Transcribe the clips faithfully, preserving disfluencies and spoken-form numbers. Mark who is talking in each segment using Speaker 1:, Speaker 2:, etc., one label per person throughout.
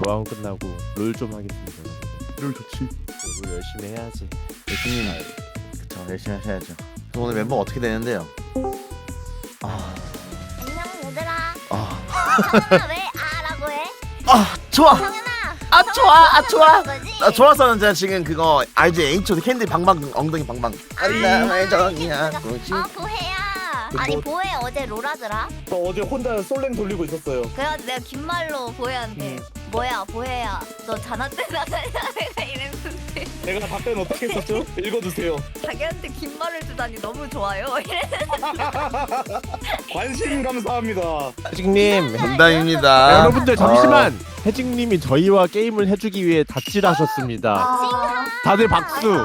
Speaker 1: 마음 끝나고 롤 좀 하겠습니다.
Speaker 2: 롤 좋지.
Speaker 1: 롤 열심히 해야지.
Speaker 2: 열심히. 그쵸, 열심히 하셔야죠. 그럼 오늘 멤버 어떻게 되는데요? 아,
Speaker 3: 안녕 얘들아.
Speaker 2: 아,
Speaker 3: 성현아 왜 아라고 해?
Speaker 2: 아, 좋아.
Speaker 3: 성현아.
Speaker 2: 아, 좋아, 아, 좋아.
Speaker 3: 거지?
Speaker 2: 나 좋았었는데 지금 그거 알지? 에이초드 캔디 방방 엉덩이 방방. 안나의 정이야. 뭐지?
Speaker 3: 아 보혜야. 아니 보혜 어제 롤하더라.
Speaker 4: 저 어제 혼자 솔랭 돌리고 있었어요.
Speaker 3: 그래가지고 내가 긴 말로 보혜한테
Speaker 4: 음.
Speaker 3: 뭐야 보혜야 너 자나때 나가냐 내가 이랬는데
Speaker 4: 내가 답변 어떻게 했었죠? 읽어주세요.
Speaker 3: 자기한테 긴 말을 주다니 너무 좋아요. 이래.
Speaker 4: 관심 감사합니다.
Speaker 1: 해직님,
Speaker 2: 농담입니다.
Speaker 1: 여러분들 잠시만. 해직님이 저희와 게임을 해주기 위해 다칠하셨습니다. 다들 박수.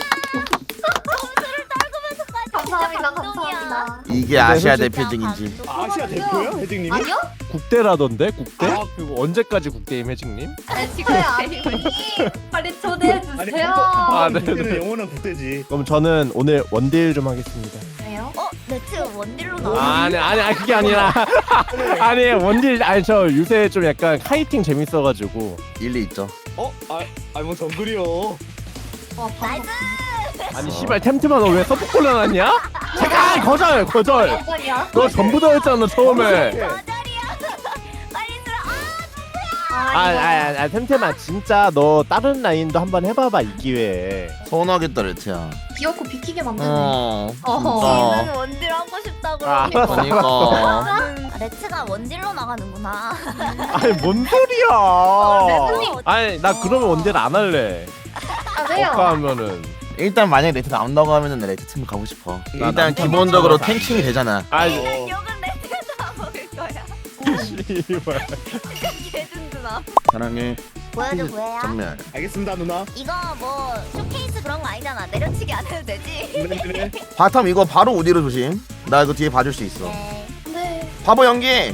Speaker 5: 감사합니다, 감사합니다.
Speaker 2: 이게 아시아 대표적인지.
Speaker 4: 아시아 대표야, 혜진님이?
Speaker 5: 아니요?
Speaker 1: 국대라던데 국대?
Speaker 4: 아.
Speaker 1: 그리고 언제까지 국대임 해직님?
Speaker 5: 아니 지금 아니 빨리 초대해
Speaker 4: 아니
Speaker 5: 주세요.
Speaker 1: 아,
Speaker 4: 컴퓨터
Speaker 1: 네,
Speaker 4: 국대는
Speaker 1: 네.
Speaker 4: 영원한 국대지.
Speaker 1: 그럼 저는 오늘 원딜 좀 하겠습니다.
Speaker 5: 왜요?
Speaker 3: 어? 네트 원딜로
Speaker 1: 아,
Speaker 3: 나와.
Speaker 1: 아니 아니 아니 그게 아니라 아니 원딜 아니 저 요새 좀 약간 카이팅 재밌어가지고
Speaker 2: 일리 있죠.
Speaker 4: 어? 아, 아니 뭐 정글이요.
Speaker 5: 와,
Speaker 3: 나이스.
Speaker 1: 아니 씨발 템트만 너 왜 서포 골라놨냐? 잠깐 거절 거절.
Speaker 5: 방송이야?
Speaker 1: 너 전부 다 했잖아 처음에.
Speaker 3: 거절이야. 빨리 들어. 아
Speaker 1: 아, 아, 아, 템템아 진짜 너 다른 라인도 한번 해봐봐 이 기회에.
Speaker 2: 서운하겠다 레트야.
Speaker 5: 귀엽고 비키게 만드네.
Speaker 2: 어.
Speaker 5: 어허.
Speaker 3: 나는 원딜 하고 싶다
Speaker 1: 아,
Speaker 3: 그러니까.
Speaker 2: 그러니까.
Speaker 3: 아, 레츠가 원딜로 나가는구나.
Speaker 1: 아니 뭔 소리야?
Speaker 3: 레츠님.
Speaker 1: 아니 나 그러면 원딜 안 할래.
Speaker 5: 아 왜요?
Speaker 1: 어까 하면은.
Speaker 2: 일단 만약에 레트 나온다고 하면은 나 레트 팀 가고 싶어.
Speaker 1: 나
Speaker 2: 일단
Speaker 1: 남편
Speaker 2: 기본적으로
Speaker 1: 남편
Speaker 2: 탱킹이 되잖아.
Speaker 1: 아,
Speaker 3: 욕은 레츠가 먹을 거야.
Speaker 1: 씨발.
Speaker 3: 개든드나.
Speaker 2: 사랑해.
Speaker 3: 보여줘 보여야.
Speaker 2: 정면.
Speaker 4: 알겠습니다, 누나.
Speaker 3: 이거 뭐 쇼케이스 그런 거 아니잖아. 내려치기 안 해도 되지.
Speaker 4: 네네.
Speaker 2: 바텀 이거 바로 우디로 조심. 나 이거 뒤에 봐줄 수 있어.
Speaker 3: 네.
Speaker 5: 네.
Speaker 2: 바보 연기.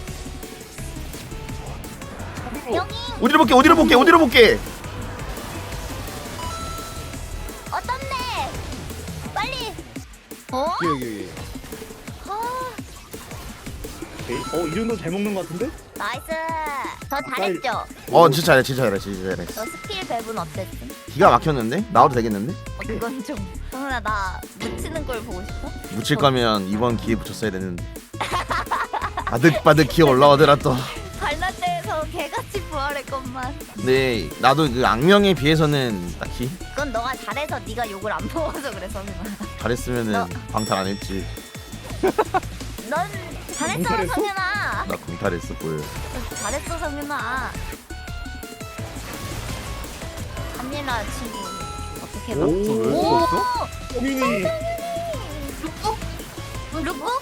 Speaker 3: 여기
Speaker 2: 우디로 볼게. 우디로 볼게. 우디로 볼게.
Speaker 3: 어떻네. 빨리. 어?
Speaker 1: 여기 여기.
Speaker 3: 아,
Speaker 4: 오케이. 어, 이 정도 잘 먹는 것 같은데?
Speaker 3: 나이스. 저 잘했죠.
Speaker 2: 어 진짜 잘해. 진짜 잘해. 진짜 잘해.
Speaker 3: 저 스킬 배분 어땠음?
Speaker 2: 기가 막혔는데? 나와도 되겠는데?
Speaker 3: 어, 그건 좀. 성훈아 나 묻히는 걸 보고 싶어?
Speaker 2: 묻힐 거면 이번 기회 붙였어야 되는데. 바득바득 기어 올라오더라 또.
Speaker 3: 발라대에서 개같이 부활했건만.
Speaker 2: 근데 나도 그 악명에 비해서는 딱히
Speaker 3: 그건 너가 잘해서 네가 욕을 안 먹어서 그래 성훈아.
Speaker 2: 잘했으면은 방탈 안 했지.
Speaker 3: 넌 잘했어
Speaker 4: 잘했어?
Speaker 3: 성훈아.
Speaker 2: 나 공탈했어 보여.
Speaker 3: 잘했어 성윤아. 한민아 친구 어떻게 봐?
Speaker 4: 오.
Speaker 1: 왜 썼어?
Speaker 4: 성윤이.
Speaker 3: 룩북?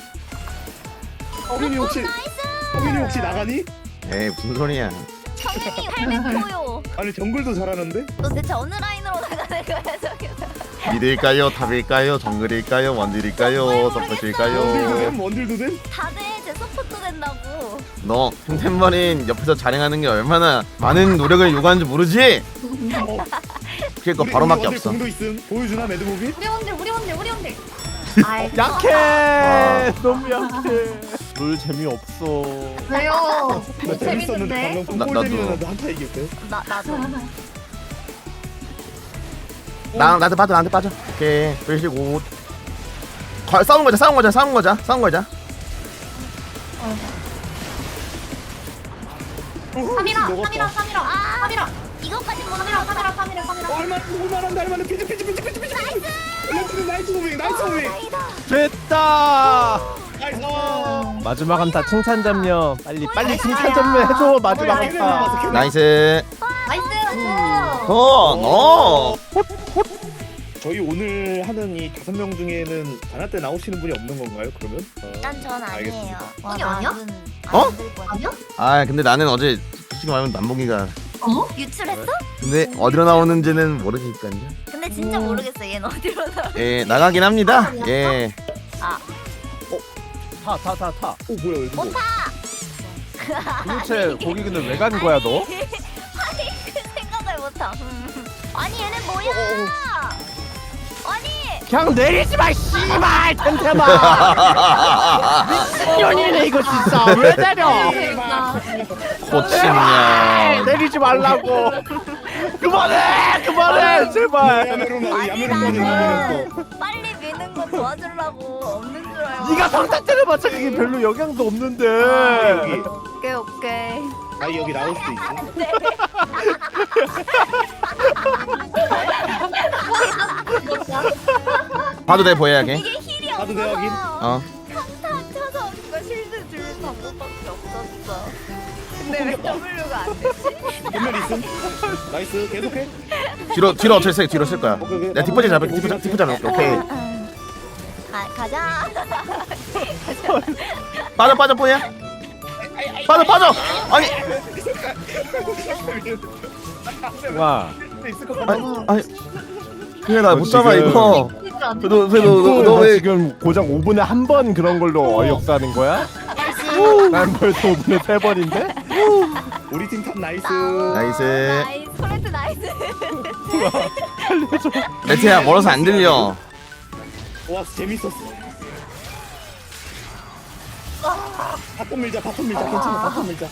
Speaker 4: 성윤이 혹시
Speaker 3: 나이스.
Speaker 4: 성윤이 혹시 나가니?
Speaker 2: 에이 무슨 소리야.
Speaker 3: 성윤이 팔백포요.
Speaker 4: 아니 정글도 잘하는데?
Speaker 3: 너 대체 어느 라인으로 나가는 거야 성윤아?
Speaker 2: 미드일까요? 탑일까요? 정글일까요? 원딜일까요?
Speaker 4: 원딜도
Speaker 2: 서포트일까요?
Speaker 4: 됨, 원딜도 됨?
Speaker 3: 다들 제 서포트 된다고.
Speaker 2: 너 템템머린 옆에서 자랑하는 게 얼마나 많은 노력을 요구하는지 모르지?
Speaker 4: 어,
Speaker 2: 그니까
Speaker 4: 우리-
Speaker 2: 바로밖에
Speaker 4: 우리 원딜
Speaker 2: 없어.
Speaker 4: 공도 있음. 보여주나 매드무비?
Speaker 5: 우리 원딜 우리 원딜 우리 원딜. 아이
Speaker 1: 약해.
Speaker 2: 아.
Speaker 1: 너무 약해. 롤 재미없어.
Speaker 5: 왜요?
Speaker 4: 나 재밌었는데
Speaker 5: 재밌는데.
Speaker 4: 방금
Speaker 2: 나- 나도.
Speaker 4: 꿀잼이었는데 한타 이겼대.
Speaker 3: 나 나도.
Speaker 2: 나 나한테 빠져 나한테 빠져. 오케이 빼시고. 거, 싸운 거자 싸운 거자 싸운 거자 싸운 거자.
Speaker 5: 삼이라
Speaker 4: 먹었다.
Speaker 5: 삼이라 삼이라
Speaker 3: 아.
Speaker 5: 삼이라
Speaker 3: 이거까지 못
Speaker 5: 삼이라
Speaker 3: 나가.
Speaker 5: 삼이라 삼이라 삼이라.
Speaker 4: 어, 얼마나 얼마나 얼마나 피지 피지 피지 피지 피지. 나이스. 나이스 무빙 나이스 무빙.
Speaker 3: 다행이다.
Speaker 1: 됐다.
Speaker 4: 나이스.
Speaker 1: 마지막 한타 칭찬 잡녀. 빨리 빨리 칭찬 잡녀 해줘 마지막 한타.
Speaker 2: 나이스.
Speaker 5: 나이스 나이스.
Speaker 2: 어, 너.
Speaker 4: 저희 오늘 하는 이 다섯 명 중에는 자나 때 나오시는 분이 없는 건가요? 그러면? 어.
Speaker 3: 일단 전 아니에요.
Speaker 4: 알겠습니다.
Speaker 3: 와,
Speaker 5: 이게 아니야?
Speaker 3: 나는
Speaker 2: 어?
Speaker 3: 안 될 뻔.
Speaker 5: 아니야?
Speaker 2: 아 근데 나는 어제 솔직히 말하면 남봉이가
Speaker 5: 어?
Speaker 3: 유출했어?
Speaker 2: 근데 어디로 나오는지는 모르니까요.
Speaker 3: 근데 진짜
Speaker 5: 오.
Speaker 3: 모르겠어. 얘는 어디로 나.
Speaker 2: 예 나가긴 합니다. 예.
Speaker 3: 아,
Speaker 1: 타 타 타 타.
Speaker 4: 어 뭐야 이거?
Speaker 1: 도대체 거기 근데 왜 간 거야 너?
Speaker 3: 아니 그 생각을 못함. 음. 아니 얘는 뭐야? 아니
Speaker 1: 그냥 내리지 마 씨발 템템아. 미친년이네 이거 진짜 왜 내려?
Speaker 5: 그러니까.
Speaker 2: 코치냐. 아.
Speaker 1: 때리지 말라고. 그만해, 그만해, 제발.
Speaker 4: 야메로
Speaker 3: 아니
Speaker 4: 야메로 빠져
Speaker 3: 나는
Speaker 4: 야메로.
Speaker 3: 빨리 미는 거 도와주려고 없는 줄 알고.
Speaker 1: 네가 상타 때려봤자 그게 별로 영향도 없는데.
Speaker 4: 여기
Speaker 3: 오케이 오케이.
Speaker 4: 아니 여기 나올 수도 있어.
Speaker 2: 봐도 돼 보여야 돼.
Speaker 3: 이게 힐이
Speaker 4: 가도 돼, 여긴?
Speaker 3: 없어서
Speaker 2: 어.
Speaker 3: 평타 쳐서 그거 실드 줄 방법밖에 없었어. 근데 왜 W가 안 되지?
Speaker 4: 전멸 있음. 나이스 계속해.
Speaker 2: 뒤로 뒤로 어쩔 수 뒤로 쓸 거야.
Speaker 4: 오케이, 오케이.
Speaker 2: 내가 뒷번째 잡을게. 뒷번째 뒷번째 잡을게. 오케이.
Speaker 3: 가 가자.
Speaker 2: 빠져 빠져 보여. 빠져 빠져. 아니
Speaker 1: 와.
Speaker 4: 있을 것 같아.
Speaker 2: 아니 아니. 그래 나 못
Speaker 1: 너
Speaker 2: 잡아
Speaker 1: 지금-
Speaker 2: 이거. 그래도 그래도
Speaker 1: 너
Speaker 2: 너왜
Speaker 1: 지금 고작 오 분에 한 번 그런 걸로 어이없어 하는 거야? 난 벌써 오 분에 세 번인데?
Speaker 4: 우리 팀 탑 나이스.
Speaker 2: 나이스.
Speaker 3: 나이스. 소레트 나이스.
Speaker 2: 레트야 멀어서 안 들려.
Speaker 4: 와 재밌었어. 바텀 밀자 바텀 밀자 괜찮아 바텀 밀자.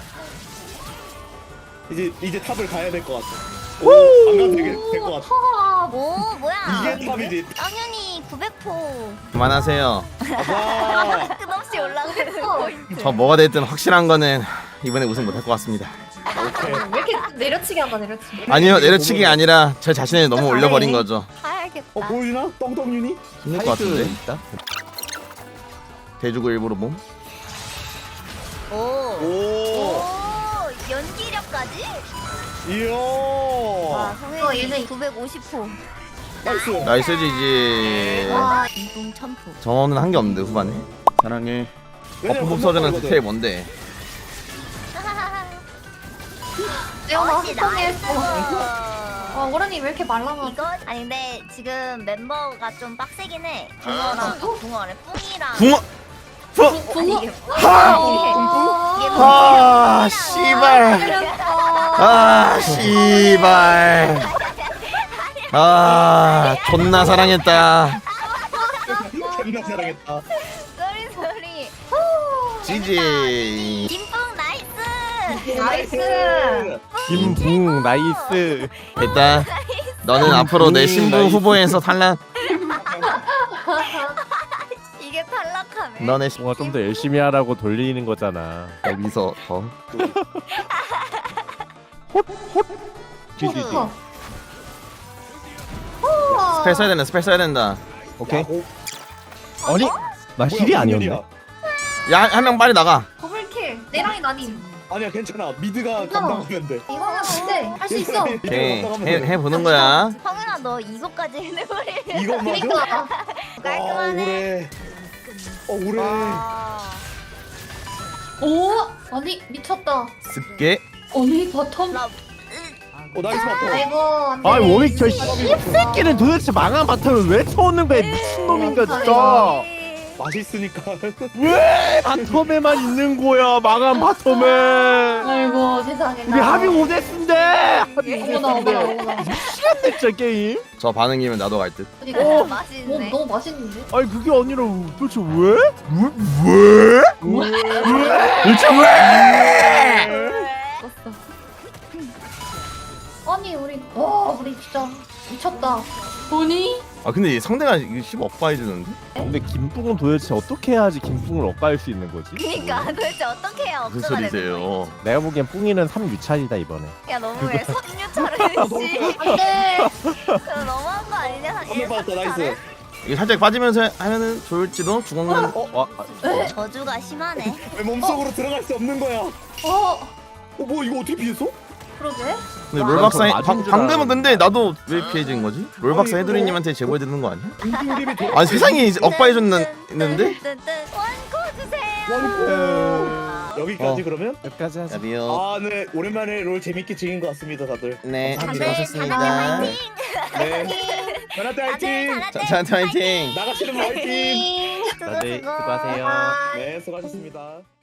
Speaker 4: 이제 이제 탑을 가야 될 것 같아. 안 가도 될것 같아.
Speaker 3: 오 뭐야?
Speaker 4: 이게 탑이지.
Speaker 3: 당연히 구백 포
Speaker 2: 그만하세요.
Speaker 4: 아빠.
Speaker 3: 끝없이 올라가는 포인트.
Speaker 2: 저 뭐가 됐든 확실한 거는 이번에 우승 못할 것 같습니다.
Speaker 4: 오케이.
Speaker 5: 왜 이렇게 내려치기 한다 내려치기.
Speaker 2: 아니요 내려치기 아니라 저 자신을 너무 올려버린 거죠.
Speaker 3: 알겠다.
Speaker 4: 어 보여주나? 똥똥윤이?
Speaker 2: 힘들 것 같은데.
Speaker 1: 있다.
Speaker 2: 대주고 일부러 몸.
Speaker 3: 오.
Speaker 4: 오.
Speaker 3: 오. 연기력까지?
Speaker 4: 이야.
Speaker 3: 와
Speaker 5: 어,
Speaker 3: 성현이
Speaker 5: 얘는-
Speaker 3: 구백오십 포.
Speaker 4: 나이스.
Speaker 2: 나이스지지.
Speaker 3: 와 인동 천 포.
Speaker 2: 저는 한 게 없는데 후반에. 사랑해. 버프 복서전은 디테일 뭔데?
Speaker 5: 내가
Speaker 3: 멋지 나이스.
Speaker 5: 나왔어. 아 오라니 왜 이렇게 말라나?
Speaker 3: 이거 아니 근데 지금 멤버가 좀 빡세긴 해. 붕어랑 붕어래 뿡이랑.
Speaker 2: 붕어. 붕.
Speaker 3: 아니, 이게
Speaker 2: 아
Speaker 3: 아
Speaker 2: 씨발. 아 씨발. 아 존나 사랑했다.
Speaker 4: 존나 사랑했다.
Speaker 3: 쏘리 쏘리.
Speaker 2: 지지.
Speaker 3: 김뿡 나이스.
Speaker 5: 나이스.
Speaker 1: 김붕 나이스.
Speaker 2: 됐다. 너는 앞으로 내 신부 후보에서 탈락.
Speaker 3: 이게 탈락하네.
Speaker 2: 너네 신-
Speaker 1: 뭔가 좀 더 열심히 하라고 돌리는 거잖아.
Speaker 2: 여기서 더.
Speaker 1: 지지지.
Speaker 2: 스펠 써야 된다. 스펠 써야 된다.
Speaker 1: 오케이.
Speaker 4: 야, 오,
Speaker 1: 아니 나
Speaker 4: 뭐야,
Speaker 1: 힐이
Speaker 4: 무슨
Speaker 1: 아니었네.
Speaker 4: 일이야?
Speaker 2: 야 한 명 빨리 나가.
Speaker 5: 더블킬. 내랑이 나님.
Speaker 4: 아니야 괜찮아. 미드가
Speaker 5: 괜찮아.
Speaker 4: 감당하면 돼.
Speaker 5: 이거는 근데 할 수 있어.
Speaker 4: 미드가
Speaker 2: 오케이
Speaker 4: 감당하면
Speaker 2: 해,
Speaker 4: 돼.
Speaker 2: 해보는 거야.
Speaker 3: 성윤아 너 이거까지 해내버리.
Speaker 4: 이거 맞아?
Speaker 5: 그러니까.
Speaker 4: 아
Speaker 3: 깔끔하네.
Speaker 4: 오래. 어 오래.
Speaker 3: 와.
Speaker 5: 오 아니 미쳤다.
Speaker 2: 습게.
Speaker 5: 아니 바텀.
Speaker 3: 나
Speaker 4: 어 나이스 바텀.
Speaker 5: 아이고 안 돼.
Speaker 1: 아이 워윅 저 씹새끼는 도대체 망한 바텀을 왜 쳐오는 거야 미친놈인가 진짜.
Speaker 4: 맛있으니까.
Speaker 1: 왜 바텀에만 있는 거야 망한 바텀에.
Speaker 5: 아이고 세상에.
Speaker 1: 우리 합이 오 대스인데 합이
Speaker 5: 어머나
Speaker 1: 오 대스인데
Speaker 5: 어머나 어머나.
Speaker 1: 미치겠네 진짜 게임.
Speaker 2: 저 반응이면 나도 갈 듯.
Speaker 5: 그러니까.
Speaker 3: 오
Speaker 5: 오,
Speaker 3: 맛있네.
Speaker 5: 너무 맛있는데?
Speaker 1: 아니 그게 아니라 도대체 왜? 왜? 왜? 왜? 도대체 왜?
Speaker 5: 죽었어. 아니 우리 와 우리 진짜 미쳤다. 보니?
Speaker 2: 아 근데 상대가 이거 십 억바 해주는데?
Speaker 1: 근데 김뿡은 도대체 어떻게 해야지 김뿡을 엇갈 수 있는 거지?
Speaker 3: 그니까 도대체 어떻게 해야
Speaker 2: 무슨
Speaker 3: 억수가 되는 거야?
Speaker 2: 소리세요?
Speaker 1: 내가 보기엔 뿡이는 삼 유찰이다 이번에.
Speaker 3: 야 너무해. 삼류차를 했지.
Speaker 5: 안돼.
Speaker 3: 그거 너무한 거 아니냐?
Speaker 4: 한명 받았다 나이스.
Speaker 2: 이게 살짝 빠지면서 하면은 좋을지도 주먹만.
Speaker 1: 어? 아,
Speaker 3: 저주가 심하네.
Speaker 4: 왜 몸속으로 들어갈 수 없는 거야?
Speaker 5: 어
Speaker 4: 어뭐 이거 어떻게 피했어?
Speaker 5: 그러게.
Speaker 2: 근데 롤박사 해,
Speaker 1: 맞은
Speaker 2: 방,
Speaker 1: 줄
Speaker 2: 방금은
Speaker 1: 알았는데.
Speaker 2: 근데 나도 왜 피해진 거지? 롤박사
Speaker 4: 아니,
Speaker 2: 해드리님한테 제보해 드는 거 아니야?
Speaker 4: 인기림이 더.
Speaker 2: 아니 세상에 이제 억바 해줬는데?
Speaker 3: 원코 주세요.
Speaker 4: 여기까지
Speaker 2: 어.
Speaker 4: 그러면?
Speaker 1: 여기까지 하자.
Speaker 2: 여비요.
Speaker 4: 아, 네 오랜만에 롤 재밌게 즐긴 것 같습니다, 다들.
Speaker 2: 네,
Speaker 3: 다들
Speaker 2: 수고하셨습니다.
Speaker 3: 다나테
Speaker 4: 네. 자나테
Speaker 3: 다들
Speaker 4: 화이팅!
Speaker 3: 다나테
Speaker 2: 저한테 화이팅!
Speaker 4: 나가시는 분 화이팅!
Speaker 3: 화이팅.
Speaker 1: 다들 수고하세요.
Speaker 4: 네, 수고하셨습니다.